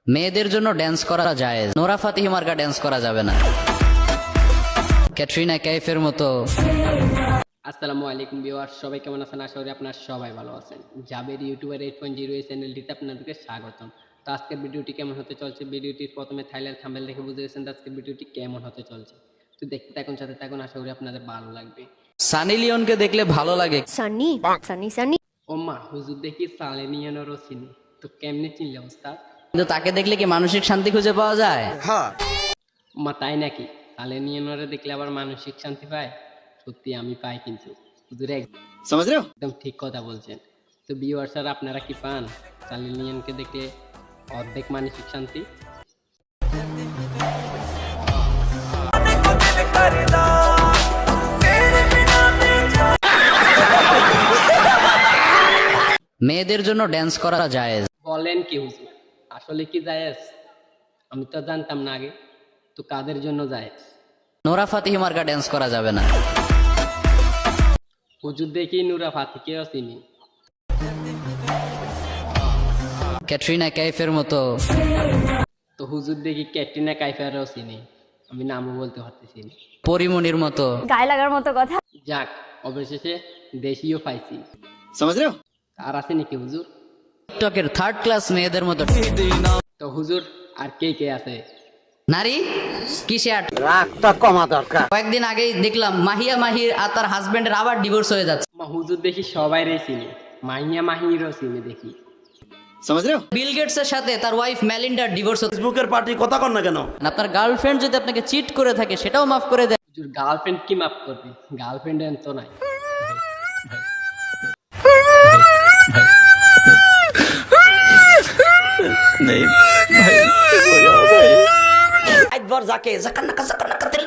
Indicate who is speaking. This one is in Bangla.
Speaker 1: মেয়েদের জন্য ড্যান্স করা যায়, নোরা ফাতিহি মার্কা ড্যান্স করা যাবে না। ক্যাটরিনা কাইফের মতো।
Speaker 2: আসসালামু আলাইকুম ভিউয়ার্স, সবাই কেমন আছেন? আশা করি আপনারা সবাই ভালো আছেন। জাবের ইউটিউবের 8.0 এই চ্যানেলটিতে আপনাদেরকে স্বাগতম। তো আজকের ভিডিওটি কেমন হতে চলছে, ভিডিওটির প্রথমে থাইল্যান্ড থাম্বনেল দেখে বুঝে গেছেন আজকের ভিডিওটি কেমন হতে চলছে। তো দেখতে থাকুন, সাথে থাকুন, আশা করি আপনাদের ভালো লাগবে।
Speaker 1: সানি লিওনকে দেখলে ভালো লাগে।
Speaker 3: সানি সানি সানি
Speaker 2: ও মা, হুজুর দেখি সালেনিয়ানেরও চিনি, তো কেমনে চিনলে ওস্তাদ?
Speaker 1: কিন্তু তাকে দেখলে কি মানসিক শান্তি খুঁজে পাওয়া যায়?
Speaker 2: মা তাই নাকি? সালেনিয়ানরে দেখলে আবার মানসিক শান্তি পায়? সত্যি আমি পাই, কিন্তু হুজুর একদম ঠিক কথা বলছেন। তো ভিউয়ার্স, আর আপনারা কি পান সালেনিয়ানকে দেখলে অর্ধেক মানসিক শান্তি?
Speaker 1: মেয়েদের জন্য ড্যান্স করা যায়।
Speaker 2: বলেন কি হুজুর, আসলে কি জায়েজ? আমি তো জানতাম না আগে, তো কাদের জন্য জায়েজ?
Speaker 1: নোরা ফাতিহি মার্কা ড্যান্স করা যাবে না।
Speaker 2: হুজুর দেখি নুরা ফাতিকেও চিনি।
Speaker 1: ক্যাটরিনা কাইফের মতো।
Speaker 2: তো হুজুর দেখি ক্যাটরিনা কাইফারও চিনি, আমি নামও বলতে পারতেছি না।
Speaker 1: পরিমণির মতো।
Speaker 3: গায়ে লাগার মতো কথা।
Speaker 2: যাক, অবশেষে দেশীয় পাইছি। আর আছে নাকি হুজুর?
Speaker 1: টিকটকের থার্ড ক্লাস মেয়েদের মতো।
Speaker 2: তো হুজুর আর কে কে আছে?
Speaker 1: নারী কিসে আট।
Speaker 4: রাগটা কমা দরকার।
Speaker 1: কয়েকদিন আগেই দেখলাম মাহির আর তার হাজবেন্ডের আবার ডিভোর্স হয়ে যাচ্ছে।
Speaker 2: মা হুজুর দেখি সবাইরে চিনি, মাহিরও চিনি দেখি।
Speaker 1: বিল গেটস এর সাথে তার ওয়াইফ মেলিন্ডার ডিভোর্স হচ্ছে।
Speaker 5: ফেসবুকের পার্টি কথা কন না কেন?
Speaker 1: আপনার গার্লফ্রেন্ড যদি আপনাকে চিট করে থাকে সেটাও মাফ করে দেয়।
Speaker 2: হুজুর গার্লফ্রেন্ড কি মাফ করবি? গার্লফ্রেন্ড তো নাই।
Speaker 5: একবার যাকে জাকান্নাকা দিল